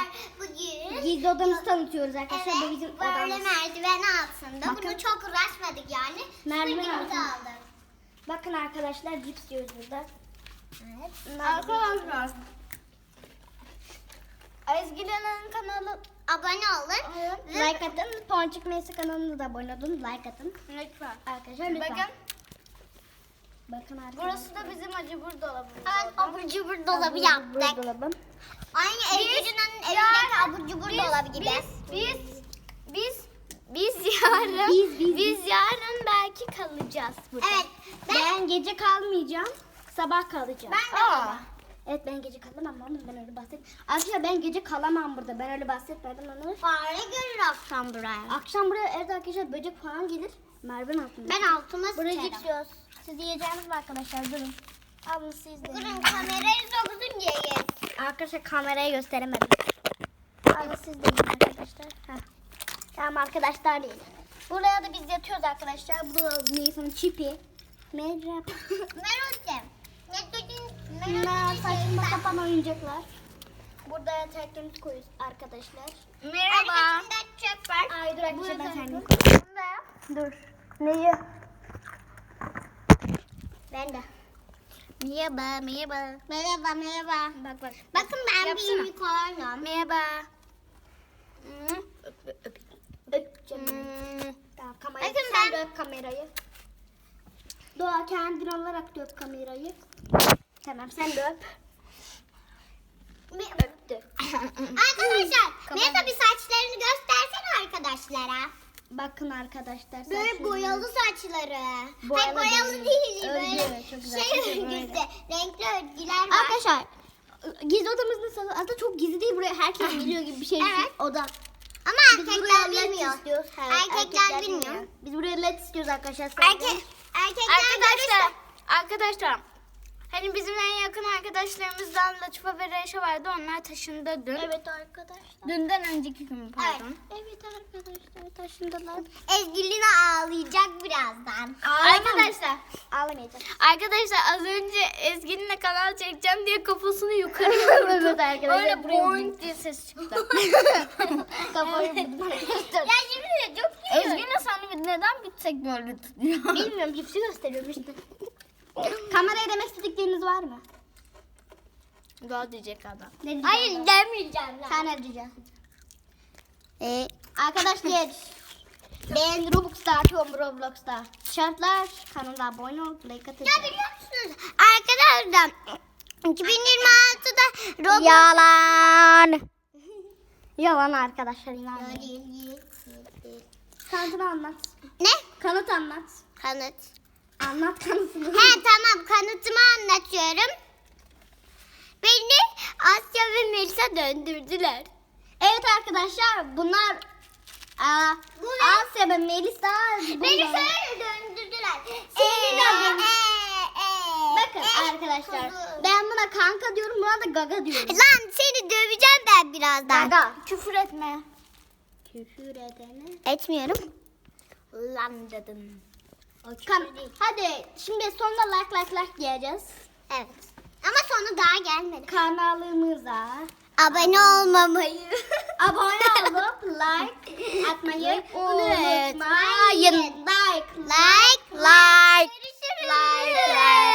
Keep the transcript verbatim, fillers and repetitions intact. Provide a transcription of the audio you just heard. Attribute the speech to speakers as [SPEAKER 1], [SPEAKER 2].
[SPEAKER 1] Bugün
[SPEAKER 2] Gizli odamızı tanıtıyoruz arkadaşlar.
[SPEAKER 1] evet,
[SPEAKER 2] Bu bizim
[SPEAKER 1] böyle
[SPEAKER 2] odamız.
[SPEAKER 1] merdiven altında.
[SPEAKER 2] Bakın.
[SPEAKER 1] Bunu çok uğraşmadık yani.
[SPEAKER 2] Merdiven
[SPEAKER 1] Süpürgemizi
[SPEAKER 2] altında.
[SPEAKER 1] aldık.
[SPEAKER 2] Bakın arkadaşlar cips yiyoruz burada.
[SPEAKER 1] Evet.
[SPEAKER 2] Arkadaşlar. Ezgi'nin kanalı
[SPEAKER 1] Abone olun.
[SPEAKER 2] evet. Like atın. Ponçik Meysi kanalına da abone olun. Like atın. Lütfen. Arkadaşlar lütfen.
[SPEAKER 3] Bakın.
[SPEAKER 2] Bakın arkadaşlar.
[SPEAKER 3] Burası da bizim acıbur dolabımız.
[SPEAKER 1] Evet, abur cubur dolabı
[SPEAKER 2] Abur
[SPEAKER 1] yaptık.
[SPEAKER 2] cubur dolabı.
[SPEAKER 1] Aynı Ezgi'nin evindeki abur cubur dolabı gibi.
[SPEAKER 3] Biz, biz, biz yarın,
[SPEAKER 2] Biz, biz,
[SPEAKER 3] biz yarın belki kalacağız burada.
[SPEAKER 1] Evet. Ben,
[SPEAKER 2] Ben gece kalmayacağım. Sabah kalacağım.
[SPEAKER 1] ben de
[SPEAKER 3] Aa.
[SPEAKER 2] Evet ben gece kalamam oğlum, ben öyle bahset. Arkadaşlar ben gece kalamam burada. Ben öyle bahsetmedim onu.
[SPEAKER 1] fare görür akşam buraya.
[SPEAKER 2] Akşam buraya evde arkadaşlar böcek falan gelir. Merdiven altında.
[SPEAKER 1] Ben altıma
[SPEAKER 2] Buraya
[SPEAKER 1] sıçarım.
[SPEAKER 2] cips yiyoruz. Siz yiyeceğiniz mi arkadaşlar? Durun. Alın siz de.
[SPEAKER 1] Durun kamerayı soksun diye yes.
[SPEAKER 2] Arkadaşlar kameraya gösteremedim. Alın siz de yiyin arkadaşlar. Heh. Tamam arkadaşlar değil. Buraya da biz yatıyoruz arkadaşlar. Bu Nisan'ın çipi. Merhaba.
[SPEAKER 1] Merhaba. Ne dedin?
[SPEAKER 2] Bunlar saçma sapan oyuncaklar. Burada yataklarımızı koyuyoruz arkadaşlar.
[SPEAKER 3] Merhaba.
[SPEAKER 1] Arkasında çöp var.
[SPEAKER 2] Ay dur arkadaşlar ben
[SPEAKER 3] Burada
[SPEAKER 2] kendim.
[SPEAKER 3] Bunda
[SPEAKER 2] Dur. Neyi?
[SPEAKER 1] Ben de.
[SPEAKER 3] Merhaba, merhaba.
[SPEAKER 1] Merhaba merhaba.
[SPEAKER 2] Bak bak.
[SPEAKER 1] Bakın ben
[SPEAKER 3] Yapsana.
[SPEAKER 1] bir unicornum.
[SPEAKER 3] Merhaba.
[SPEAKER 2] Öp canım.
[SPEAKER 1] Hmm.
[SPEAKER 2] Tamam kamerayı.
[SPEAKER 1] Bakın
[SPEAKER 2] Sen
[SPEAKER 1] ben-
[SPEAKER 2] de öp kamerayı. Doğa kendin olarak da öp kamerayı. Tamam sen de öp. Öptü.
[SPEAKER 1] Arkadaşlar neyse bir saçlarını göstersene arkadaşlara.
[SPEAKER 2] Bakın arkadaşlar.
[SPEAKER 1] Böyle
[SPEAKER 2] saçlarını-
[SPEAKER 1] boyalı saçları.
[SPEAKER 2] Boyalı
[SPEAKER 1] Hayır boyalı
[SPEAKER 2] değil.
[SPEAKER 1] değil.
[SPEAKER 2] Örgü,
[SPEAKER 1] Böyle
[SPEAKER 2] evet, çok güzel.
[SPEAKER 1] şey
[SPEAKER 2] Çok güzel,
[SPEAKER 1] örgüsü. Renkli örgüler var.
[SPEAKER 2] Arkadaşlar gizli odamız nasıl? Aslında çok gizli değil, buraya herkes biliyor gibi bir şey.
[SPEAKER 1] Evet.
[SPEAKER 2] Oda.
[SPEAKER 1] Ama
[SPEAKER 2] Biz
[SPEAKER 1] erkekler
[SPEAKER 2] buraya led
[SPEAKER 1] bilmiyor.
[SPEAKER 2] istiyoruz. Evet,
[SPEAKER 1] Erkekler bilmiyor.
[SPEAKER 2] bilmiyor. Biz buraya led istiyoruz arkadaşlar.
[SPEAKER 1] Erkek, erkekler
[SPEAKER 3] Arkadaşlar,
[SPEAKER 1] görürse-
[SPEAKER 3] arkadaşlar. Hani bizim en yakın arkadaşlarımızdan Latife ve Reşe vardı. Onlar taşındı dün.
[SPEAKER 2] Evet arkadaşlar.
[SPEAKER 3] Dünden önceki gün pardon.
[SPEAKER 2] Evet arkadaşlar taşındılar.
[SPEAKER 1] Ezgilina ağlayacak birazdan.
[SPEAKER 3] Arkadaşlar,
[SPEAKER 2] Ağlamayacağım.
[SPEAKER 3] arkadaşlar az önce Ezgi'ninle kanal çekeceğim diye kafasını yukarı vurdu.
[SPEAKER 2] Evet arkadaşlar,
[SPEAKER 3] Öyle
[SPEAKER 2] buraya
[SPEAKER 3] boing diye ses çıktı.
[SPEAKER 2] Kafayı vurdum arkadaşlar.
[SPEAKER 1] Ya şimdi de çok iyi.
[SPEAKER 3] Ezgi'yle sen neden bitsek böyle tutuyor?
[SPEAKER 2] Bilmiyorum, cipsi gösteriyorum işte. Kameraya demek istedikleriniz var mı?
[SPEAKER 3] Doğa diyecek adam.
[SPEAKER 2] Ne diyeceğim
[SPEAKER 1] Hayır
[SPEAKER 2] ben?
[SPEAKER 1] demeyeceğim.
[SPEAKER 2] Sen ne diyeceksin? Ee, arkadaşlar ben Robux'ta atıyorum, Roblox'ta. Şartlar kanala abone ol, like atın.
[SPEAKER 1] Ya biliyor musunuz? Arkadaşlar iki bin yirmi altıda Roblox...
[SPEAKER 2] Yalan. Yalan arkadaşlar, inanmayın. Kanıtını anlat.
[SPEAKER 1] Ne?
[SPEAKER 2] Kanıt anlat.
[SPEAKER 1] Kanıt.
[SPEAKER 2] Anlat kanıtını.
[SPEAKER 1] He tamam kanıtımı anlatıyorum. Beni Asya ve Melisa döndürdüler.
[SPEAKER 2] Evet arkadaşlar bunlar aa,
[SPEAKER 1] Bu ne?
[SPEAKER 2] Asya ve Melisa.
[SPEAKER 1] Beni
[SPEAKER 2] bunlar-
[SPEAKER 1] şöyle döndürdüler.
[SPEAKER 2] Seni
[SPEAKER 1] Ee,
[SPEAKER 2] döndürdüm.
[SPEAKER 1] ee, ee,
[SPEAKER 2] Bakın
[SPEAKER 1] ee,
[SPEAKER 2] arkadaşlar
[SPEAKER 1] kuzu.
[SPEAKER 2] ben buna kanka diyorum, buna da gaga diyorum.
[SPEAKER 1] Lan seni döveceğim ben birazdan.
[SPEAKER 2] Gaga.
[SPEAKER 3] Küfür etme.
[SPEAKER 2] Küfür edene.
[SPEAKER 1] Etmiyorum.
[SPEAKER 3] Lan dedim.
[SPEAKER 2] Kan hadi şimdi sonunda like like like diyeceğiz.
[SPEAKER 1] Evet. Ama sonu daha gelmedi.
[SPEAKER 2] Kanalımıza
[SPEAKER 1] Abone olmamayı.
[SPEAKER 2] abone olup like atmayı
[SPEAKER 1] Unutmayın.
[SPEAKER 2] unutmayın. Like
[SPEAKER 1] Like like.
[SPEAKER 2] like like.